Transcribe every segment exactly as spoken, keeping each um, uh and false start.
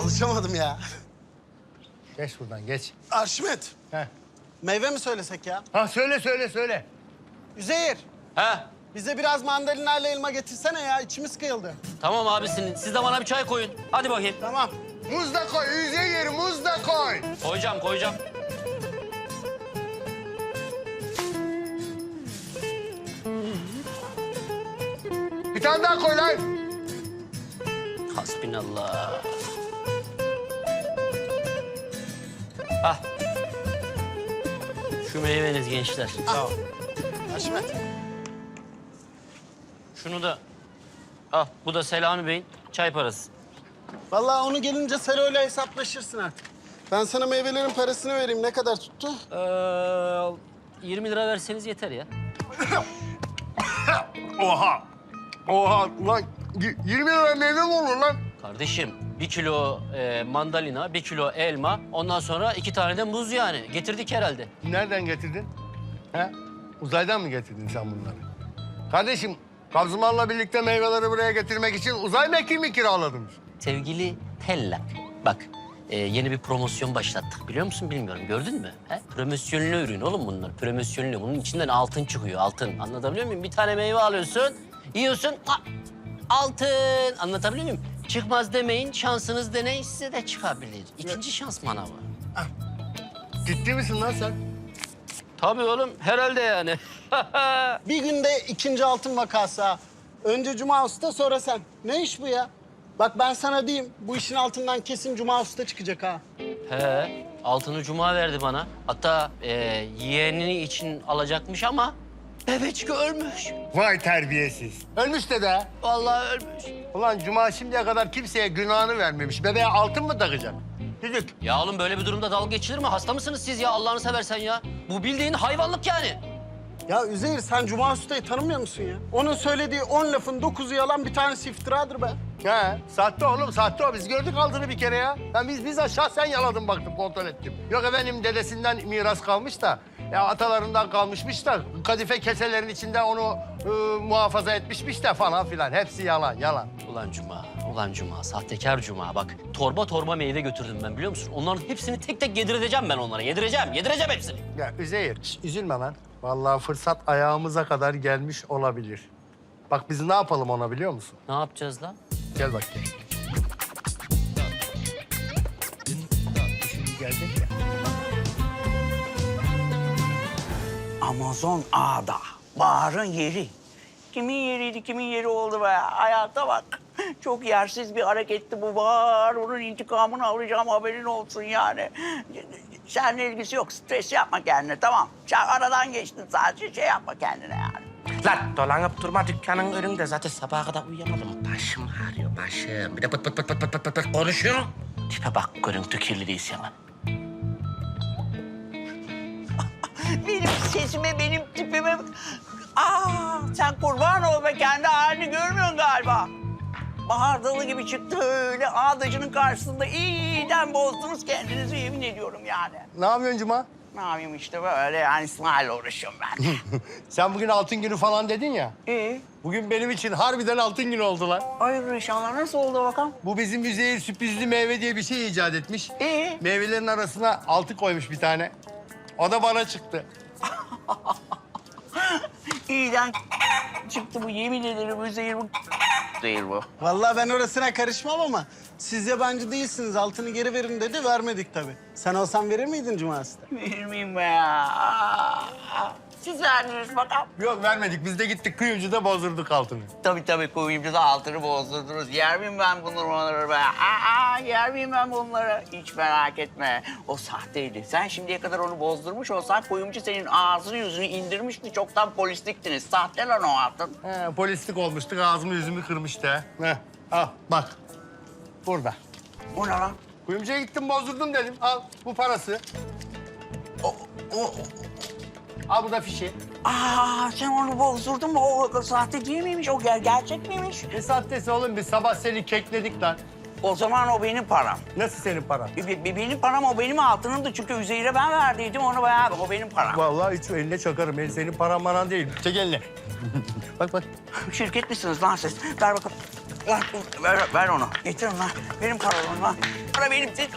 alışamadım ya. Geç buradan geç. Arşimet, Heh. meyve mi söylesek ya? Ha söyle söyle söyle. Üzeyir, He. bize biraz mandalina ile elma getirsene ya. İçimiz kıyıldı. Tamam abisinin. Siz de bana bir çay koyun. Hadi bakayım. Tamam. Muz da koy, Üzeyir, muz da koy. Koyacağım, koyacağım. Bir tane daha koy lan. Hasbinallah. Ah. Şu meyveniz gençler. Al. Arşimet. Şunu da al. Bu da Selami Bey'in çay parası. Vallahi onu gelince Selo'yla hesaplaşırsın artık. Ben sana meyvelerin parasını vereyim. Ne kadar tuttu? Ee, yirmi lira verseniz yeter ya. Oha. Oha ulan y- yirmi lira meyve mi olur lan? Kardeşim bir kilo e, mandalina, bir kilo elma, ondan sonra iki tane de muz yani. Getirdik herhalde. Nereden getirdin? He? Uzaydan mı getirdin sen bunları? Kardeşim, Kazıman'la birlikte meyveleri buraya getirmek için uzay mekiği mi kiraladınız? Sevgili Tellak, bak e, yeni bir promosyon başlattık biliyor musun bilmiyorum. Gördün mü? He? Promosyonlu ürün oğlum bunlar. Promosyonlu. Bunun içinden altın çıkıyor, altın. Anlatabiliyor muyum? Bir tane meyve alıyorsun, yiyorsun, ha, altın. Anlatabiliyor muyum? Çıkmaz demeyin, şansınız deneyin, size de çıkabilir. İkinci şans manavı. Ciddi misin lan sen? Tabii oğlum, herhalde yani. Bir günde ikinci altın vakası ha. Önce Cuma Usta, sonra sen. Ne iş bu ya? Bak ben sana diyeyim, bu işin altından kesin Cuma Usta çıkacak ha. He, altını Cuma verdi bana. Hatta e, yeğenini için alacakmış ama bebecik ölmüş. Vay terbiyesiz. Ölmüş de de. Vallahi ölmüş. Ulan Cuma şimdiye kadar kimseye günahını vermemiş. Bebeğe altın mı takacak? Düdük. Ya oğlum böyle bir durumda dalga geçilir mi? Hasta mısınız siz ya Allah'ını seversen ya? Bu bildiğin hayvanlık yani. Ya Üzeyir, sen Cuma Usta'yı tanımıyor musun ya? Onun söylediği on lafın dokuzu yalan, bir tanesi iftiradır be. He, sahte oğlum, sahte o. Biz gördük altını bir kere ya. Ben biz bizzat şahsen yaladım, baktım, kontrol ettim. Yok efendim, dedesinden miras kalmış da, ya atalarından kalmışmış da, kadife keselerin içinde onu e, muhafaza etmişmiş de falan filan. Hepsi yalan, yalan. Ulan Cuma, ulan Cuma, sahtekar Cuma. Bak torba torba meyve götürdüm ben biliyor musun? Onların hepsini tek tek yedireceğim ben onlara. Yedireceğim, yedireceğim hepsini. Ya Üzeyir, şş, üzülme lan. Vallahi fırsat ayağımıza kadar gelmiş olabilir. Bak biz ne yapalım ona biliyor musun? Ne yapacağız lan? Gel bak gel. Şimdi gelecek ya. Amazon Ağa'da, Bahar'ın yeri. Kimin yeriydi, kimin yeri oldu be? Hayata bak. Çok yersiz bir hareketti bu Bahar. Onun intikamını alacağım, haberin olsun yani. Seninle ilgisi yok, stres yapma kendine, tamam. Sen aradan geçtin sadece, şey yapma kendine yani. Lan dolanıp durma dükkanın önünde. Zaten sabaha kadar uyuyamadım. Başım ağrıyor, başım. Bir de pıt pıt pıt pıt pıt pıt pıt pıt konuşuyor. Tipe bak, görüntü kirliliği yalan. Benim sesime, benim tipime... Aa, sen kurban ol be, kendi halini görmüyorsun galiba. Bahar dalı gibi çıktı öyle ağdacının karşısında. İyiden bozdunuz kendinizi, yemin ediyorum yani. Ne yapıyorsun Cuma? Ne yapayım işte böyle yani, İsmail'le uğraşıyorum ben. Sen bugün altın günü falan dedin ya. İyi. Bugün benim için harbiden altın günü oldu lan. Hayırdır inşallah, nasıl oldu bakalım? Bu bizim Üzeyir sürprizli meyve diye bir şey icat etmiş. İyi. Meyvelerin arasına altın koymuş bir tane. O da bana çıktı. İyiden çıktı bu, yemin ederim Üzeyir bu değil bu. Vallahi ben orasına karışmam ama siz yabancı değilsiniz. Altını geri verin dedi, vermedik tabii. Sen olsan verir miydin Cuma Usta? Verir miyim be ya? Aa, siz verdiniz bakalım. Yok vermedik. Biz de gittik kuyumcuda bozdurduk altını. Tabii tabii, kuyumcuda altını bozdurdunuz. Yer miyim ben bunları be? Aa, yer miyim ben bunları? Hiç merak etme. O sahteydi. Sen şimdiye kadar onu bozdurmuş olsan kuyumcu senin ağzını yüzünü indirmişti. Çoktan polisliktiniz. Sahte lan o altın. He, polislik olmuştuk. Ağzımı yüzümü kırmıştı. Heh, al bak. Burada. O ne lan? Kuyumcuya gittim bozdurdum dedim. Al bu parası. O, o, Al bu da fişi. aa, sen onu bozdurdun mu? O sahte değil miymiş? O ger gerçek miymiş? Ne sahtesi oğlum? Biz sabah seni kekledik lan. O zaman o benim param. Nasıl senin paran? Be- be- benim param, o benim altınımdı. Çünkü Üzeyir'e ben verdiydim onu bayağı. O benim param. Vallahi hiç eline çakarım. El senin paran maran değil. Çek eline. Bak bak. Şirket misiniz lan siz? Ver bakalım. Ver, ver, ver onu. Getirin lan. Benim paralarım lan. Para benim. Siz...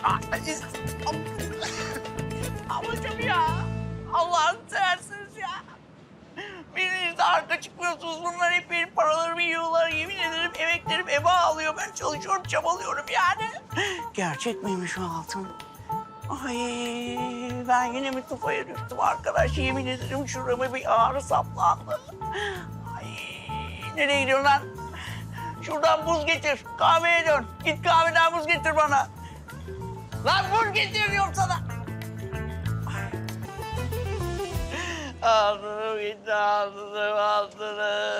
Ablacığım ya. Allah'ını seversiniz ya. Biriniz de arka çıkmıyorsunuz. Bunlar hep benim paralarımı yiyorlar. Yemin ederim emeklerim eba alıyor. Ben çalışıyorum, çabalıyorum yani. Gerçek miymiş o altın? Ay ben yine mi tufaya düştüm arkadaş? Yemin ederim şurama bir ağrı saplandı. Ay nereye gidiyorsun lan? Şuradan buz getir. Kahveye dön. Git kahveden buz getir bana. Lan buz getir diyorum sana. Altınım gitti, altınım, altınım,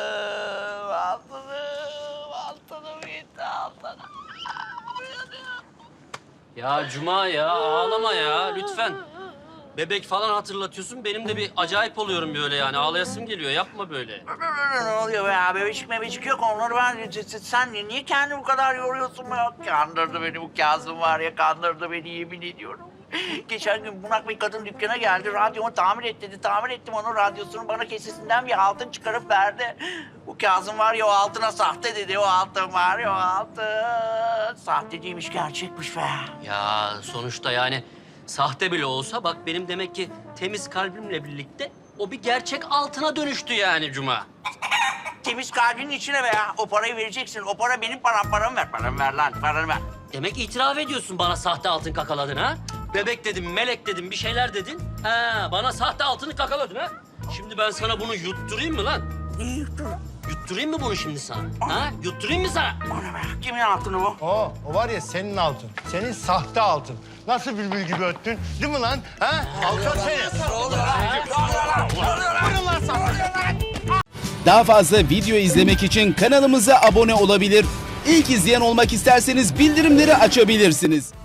altınım, altınım gitti, altınım. Ya Cuma ya ağlama ya lütfen. Bebek falan hatırlatıyorsun. Benim de bir acayip oluyorum böyle yani. Ağlayasım geliyor. Yapma böyle. Ne oluyor be ya? Bebecik mebecik yok. Onları ben... Sen niye kendini bu kadar yoruyorsun be? Kandırdı beni bu Kazım var ya. Kandırdı beni yemin ediyorum. Geçen gün bunak bir kadın dükkana geldi. Radyomu tamir et dedi. Tamir ettim onun radyosunu. Bana kesesinden bir altın çıkarıp verdi. Bu Kazım var ya o altına sahte dedi. O altın var ya o altın. Sahte değilmiş gerçekmiş be. Ya sonuçta yani sahte bile olsa bak benim demek ki temiz kalbimle birlikte o bir gerçek altına dönüştü yani Cuma. Temiz kalbinin içine be ya. O parayı vereceksin. O para benim param. Paramı ver. Paramı ver lan. Paramı ver. Demek itiraf ediyorsun bana sahte altın kakaladın ha? Bebek dedim, melek dedim, bir şeyler dedin. Ha, bana sahte altını kakaladın ha? Şimdi ben sana bunu yutturayım mı lan? İyi yuttur. Yutturayım mı bunu şimdi sana? Ha? Yutturayım mı sana? Bana be. Kimin altını bu? O, o var ya senin altın. Senin sahte altın. Nasıl bülbül gibi öttün? Değil mi lan? Ha? Alçak seni. Buyurun lan sana. Daha fazla video izlemek için kanalımıza abone olabilir. İlk izleyen olmak isterseniz bildirimleri açabilirsiniz.